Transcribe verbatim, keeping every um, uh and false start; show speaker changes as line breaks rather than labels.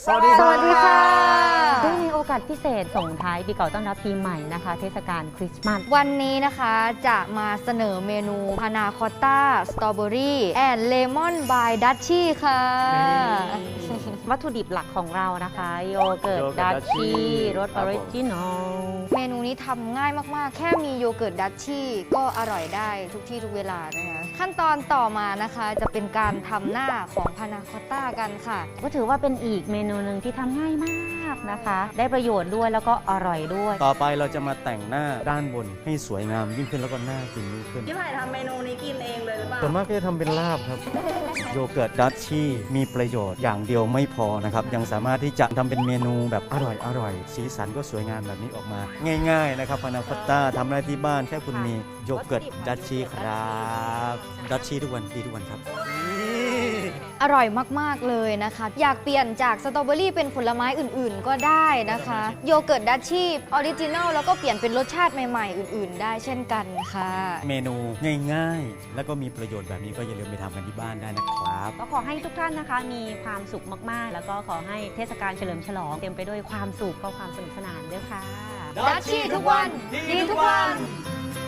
สวัสดีครับ
สวัสดีค่ะ
เนื่องในโอกาสพิเศษส่งท้ายปีเก่าต้อนรับปีใหม่นะคะ เทศกาลคริสต์มาส
วันนี้นะคะจะมาเสนอเมนูพานาคอตต้าสตรอเบอรี่แอนด์เลมอนบายดัชชี่ค่ะ
วัตถุดิบหลักของเรานะคะโยเกิร์ต
โยเกิ
ดั
ร์ต
ชชี่
Dutchie
รส
ค
อ
รั
อบ
ผม
ริจินอล
เมนูนี้ทำง่ายมากๆ แค่มีโยเกิร์ตดัชชี่ก็อร่อยได้ทุกที่ทุกเวลานะคะขั้นตอนต่อมานะคะจะเป็นการทำหน้าของพานาคอตต้ากันค่ะ
ก็ถือว่าเป็นอีกเมนูหนึ่งที่ทำง่ายมากนะคะ ได้ประโยชน์ด้วยแล้วก็อร่อยด้วย
ต่อไปเราจะมาแต่งหน้าด้านบนให้สวยงามยิ่งขึ้นแล้วก็น่ากินยิ่งขึ้น
พี่ไผ่ทำเมนูนี้กินเองเลยหรือเปล่า
ส่วนมากก็จะทำเป็นลาบครับ โยเกิร์ตดัชชี่มีประโยชน์อย่างเดียวไม่พอนะครับ ยังสามารถที่จะทำเป็นเมนูแบบอร่อยอร่อยสีสันก็สวยงามแบบนี้ออกมา ง่ายๆนะครับพานาคอตต้าทำได้ที่บ้านแค่คุณมีโยเกิร์ตดัชชี่ครับดัชชี่ทุกวันดีทุกวันครับ
อร่อยมากๆเลยนะคะ อยากเปลี่ยนจากสตรอเบอรี่เป็นผลไม้อื่นๆ ก็ได้นะคะโยเกิร์ตดัชชี่ออริจินัลแล้วก็เปลี่ยนเป็นรสชาติใหม่ๆ อื่นๆ ได้เช่นกันค่ะ
เมนูง่ายๆ แล้วก็มีประโยชน์แบบนี้ก็อย่าลืมไปทำกันที่บ้านได้นะครับ
ก็ขอให้ทุกท่านนะคะมีความสุขมากๆ แล้วก็ขอให้เทศกาลเฉลิมฉลองเต็มไปด้วยความสุขก็ความสนุกสนานด้วยค่ะ
ดัชชี่ทุกวัน ดีทุกวัน
ค